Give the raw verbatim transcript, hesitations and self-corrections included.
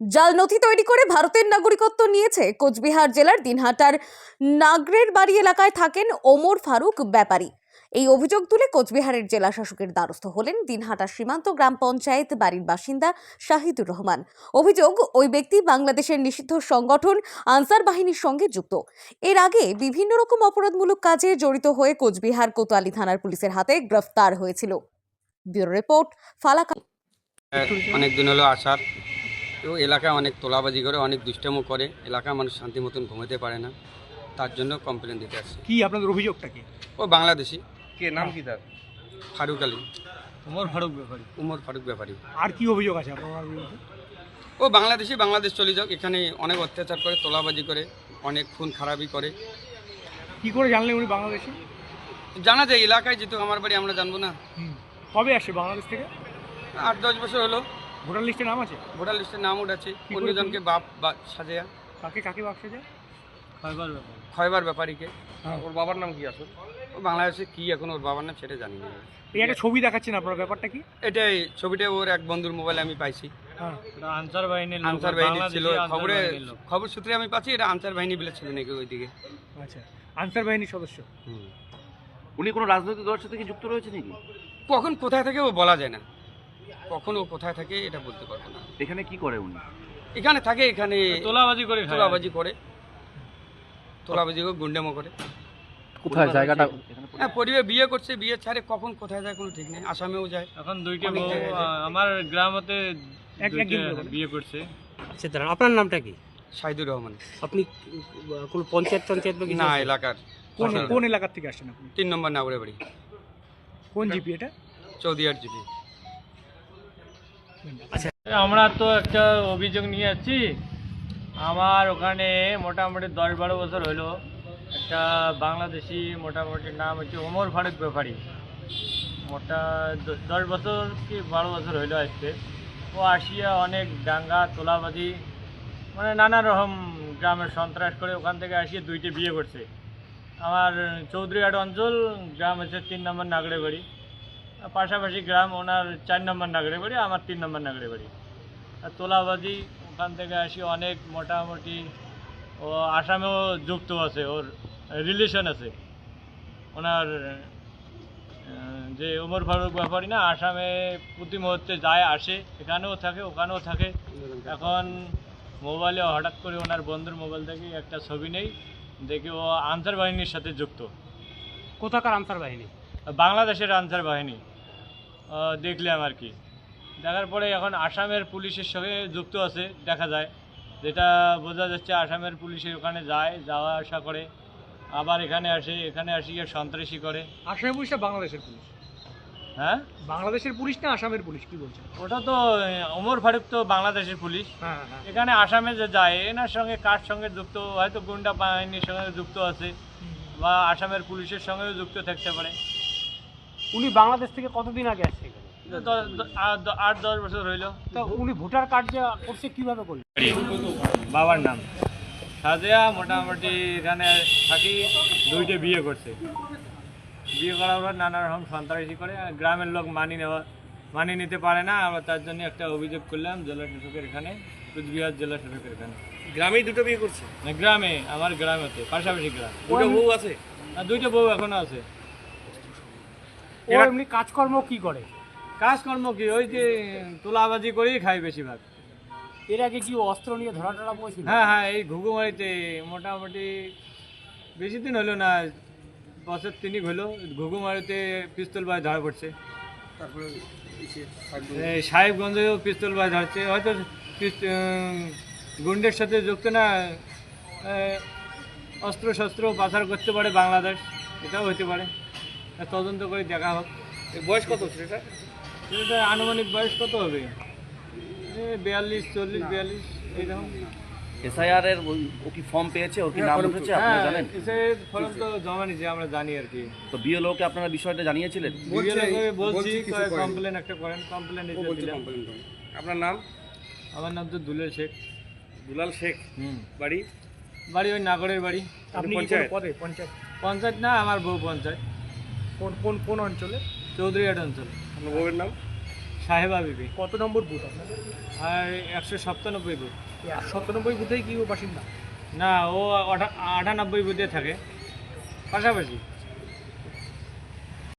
জাল নথি তৈরি করে ভারতের নাগরিকত্ব নিয়েছে কোচবিহার জেলার দিনহাটার নাগরের বাড়ি এলাকায় থাকেন ওমর ফারুক ব্যাপারী। এই অভিযোগ তুলে কোচবিহারের জেলা শাসকের দ্বারস্থ হলেন দিনহাটা সীমান্ত গ্রাম পঞ্চায়েত বাড়ির বাসিন্দা শাহিদুর রহমান। অভিযোগ, ওই ব্যক্তি বাংলাদেশের নিষিদ্ধ সংগঠন আনসার বাহিনীর সঙ্গে যুক্ত। এর আগে বিভিন্ন রকম অপরাধমূলক কাজে জড়িত হয়ে কোচবিহার কোতোয়ালি থানার পুলিশের হাতে গ্রেফতার হয়েছিল। ব্যুরো রিপোর্ট, ফালাকা। অনেক দিন হলো আসার, তো এলাকায় অনেক তোলাবাজি করে, অনেক দুষ্টামো করে, এলাকায় মানুষ শান্তি মতন ঘুমাতে পারে না, তার জন্য কমপ্লেন দিতে আসছে। কি আপনাদের অভিযোগটা কি? ও বাংলাদেশি। কে নাম কি তার? ফারুক আলী। ওমর ফারুক ব্যাপারী। উমর ফারুক ব্যাপারী। আর কি অভিযোগ আছে আপনার বিরুদ্ধে? ও বাংলাদেশি, বাংলাদেশ চলে যাক, এখানে অনেক অত্যাচার করে, তোলাবাজি করে, অনেক খুন খারাপি করে। কি করে জানলেন উনি বাংলাদেশি? জানা যায় এলাকায়, যেহেতু আমার বাড়ি, আমরা জানবো না? কবে আসে বাংলাদেশ থেকে? আট দশ বছর হলো। ভোটার লিস্টে নাম আছে? ভোটার লিস্টের নাম উঠেছে। অন্যজনকে বাপ বা সাজেয়া। কাকে কাকে বাক্সে যায়? খয়বার ব্যাপারী। খয়বার ব্যাপারীকে। হ্যাঁ। ওর বাবার নাম কি আসলে? ও বাংলাদেশে কি এখন ওর বাবার নাম সেটা জানি না। এই একটা ছবি দেখাচ্ছেন, আপনার ব্যাপারটা কি? এটাই ছবিটা ওর এক বন্ধুর মোবাইলে আমি পাইছি। হ্যাঁ, এটা আনসার বাহিনীর লোক। আনসার বাহিনী ছিল, বাংলাদেশি খবরে আনসার বাহিনীর লোক। খবর সূত্রে আমি পাচ্ছি এটা আনসার বাহিনী বলে ছিল নাকি ওইদিকে। আচ্ছা, আনসার বাহিনীর সদস্য। হুম। উনি কোনো রাজনৈতিক দলের সাথে কি যুক্ত রয়েছে নাকি? কখন কোথায় থাকে ও বলা যায় না, কখন ও কোথায় থাকে এটা বলতে পারবো না। এখানে কি করে উনি? এখানে থাকে, এখানে তোলাবাজি করে তোলাবাজি করে, তোলাবাজি করে, গুন্ডামো করে। কোথায় জায়গাটা? হ্যাঁ, পরিবার বিয়ে করছে, বিয়ে ছাড়ে কখন কোথায় যায় কোনো ঠিক নেই। আসামেও যায়। এখন দুইটা অনেক বউ জায়গায় যায়। আমার গ্রামতে এক দুইটা একদিন করে। বিয়ে করছে। আচ্ছা দাঁড়ান, আপনার নামটা কি? শাহিদুর রহমান। আপনি কোন পঞ্চায়েত পঞ্চায়েত বা কিছু না, আছে? এলাকার কোন কোন এলাকার থেকে আসছেন আপনি? তিন নম্বর নাগরে বাড়ি, কোন জিপি এটা? চৌদিয়ার জিপি। আমরা তো একটা অভিযোগ নিয়ে যাচ্ছি। আমার ওখানে মোটামুটি দশ বারো বছর হলো একটা বাংলাদেশি, মোটামুটি নাম হচ্ছে ওমর ফারুক ব্যাপারী। মোটা দ- দশ বছর কি বারো বছর হইলো আসছে। ও আসিয়া অনেক দাঙ্গা তোলাবাজি, মানে নানা রকম গ্রামের সন্ত্রাস করে ওখান থেকে আসিয়ে দুইটি বিয়ে করছে। আমার চৌধুরীহাট অঞ্চল, গ্রাম হচ্ছে তিন নম্বর নাগরে বাড়ি, পাশাপাশি গ্রাম ওনার চার নম্বর নাগরে বাড়ি, আমার তিন নম্বর নাগরে বাড়ি। আর তোলাবাজি ওখান থেকে আসি অনেক, মোটামুটি ও আসামেও যুক্ত আছে, ওর রিলেশন আছে। ওনার আহ, যে ওমর ফারুক ব্যাপারী না, আসামে প্রতি মুহূর্তে যায় আসে, এখানেও থাকে ওখানেও থাকে। এখন মোবাইলে হঠাৎ করে ওনার বন্ধুর মোবাইল থেকে একটা ছবি নেই, দেখি ও আনসার বাহিনীর সাথে যুক্ত। কোথাকার আনসার বাহিনী? বাংলাদেশের আনসার বাহিনী আহ, দেখলাম আর কি। দেখার পরে এখন আসামের পুলিশের সঙ্গে যুক্ত আছে দেখা যায়, যেটা বোঝা যাচ্ছে। আসামের পুলিশের ওখানে যায়, যাওয়া আসা করে, আবার এখানে আসে, এখানে আসিয়ে সন্ত্রাসী করে। আসামের পুলিশ না বাংলাদেশের পুলিশ? হ্যাঁ, বাংলাদেশের পুলিশ না আসামের পুলিশ, কি বলছেন? ওটা তো আহ, ওমর ফারুক তো বাংলাদেশের পুলিশ। হ্যাঁ হ্যাঁ। এখানে আসামে যে যায়, এনার সঙ্গে কার সঙ্গে যুক্ত, হয়তো গুন্ডা বাহিনীর সঙ্গে যুক্ত আছে, বা আসামের পুলিশের সঙ্গেও যুক্ত থাকতে পারে। উনি বাংলাদেশ থেকে কতদিন আগে আসছে এখানে? দ- দ- আ- দ- আট দশ বছর হইলো। তা উনি ভোটার কার্ড যে করছে কিভাবে করলেন? বাবার নাম সাজেয়া, মোটামুটি এখানে থাকি, দুইটা বিয়ে করছে। বিয়ে করার পর নানা রকম সন্ত্রাসী করে, আর গ্রামের লোক মানি নেওয়া মানিয়ে নিতে পারে না। আমরা তার জন্য একটা অভিযোগ করলাম জেলা শাসকের এখানে, কুচবিহার জেলা শাসকের এখানে। গ্রামেই দুটো বিয়ে করছে? না, গ্রামে, আমার গ্রামেতে, পাশাপাশি গ্রাম। দুটো বউ আছে? আর দুইটা বউ এখনো আছে। ও এমনি কাজকর্ম কি করে? কাজকর্ম কি, ওই যে তোলাবাজি করেই খাই বেশিরভাগ। এর আগে কি ও অস্ত্র নিয়ে ধরা টরা পড়েছিল? হ্যাঁ হ্যাঁ, এই ঘুঘুমারিতে মোটামুটি বেশি দিন হলো না, বছর তিনিক হলো, ঘুঘুমারিতে পিস্তল বাজ ধরা পড়ছে। তারপরে এই সাহেবগঞ্জেও পিস্তল বাজ ধরছে, হয়তো পিস- উম, গুন্ডের সাথে যুক্ত না, আহ, অস্ত্র শস্ত্র পাচার করতে পারে বাংলাদেশ, এটাও হতে পারে। তা তদন্ত করে দেখা হোক। বয়স কত সেটা? সেটা আনুমানিক বয়স কত হবে? এই বিয়াল্লিশ, চল্লিশ, বিয়াল্লিশ এইরকম। এসআইআর এর ওই- ও কি ফর্ম পেয়েছে? ওর কি নাম উঠেছে আপনারা হ্যাঁ, জানেন? এসে ফর্ম তো জমা নিয়েছে, আমরা জানি আর কি। তো বিএলওকে আপনারা বিষয়টা জানিয়েছিলেন? বিএলওকে বলছি কমপ্লেন একটা করেন, কমপ্লেন দিলাম। আপনার নাম? আমার নাম তো দুলের শেখ। দুলাল শেখ। হুম, বাড়ি? বাড়ি ওই নাগরের বাড়ি। আপনি কি কোনো পদে? পঞ্চায়েত? পঞ্চায়েত না, আমার বউ পঞ্চায়েত, কোন কোন কোন অঞ্চলে? চৌধুরীহাট অঞ্চল। আপনার বউয়ের নাম? সাহেবা বিবি কত নম্বর বুথ আপনাদের? আর একশো সপ্তানব্বই বুথ। এই সাতানব্বই বুথেই কি ও বাসিন্দা? না, ও আটা- আটানব্বই বুথে থাকে পাশাপাশি।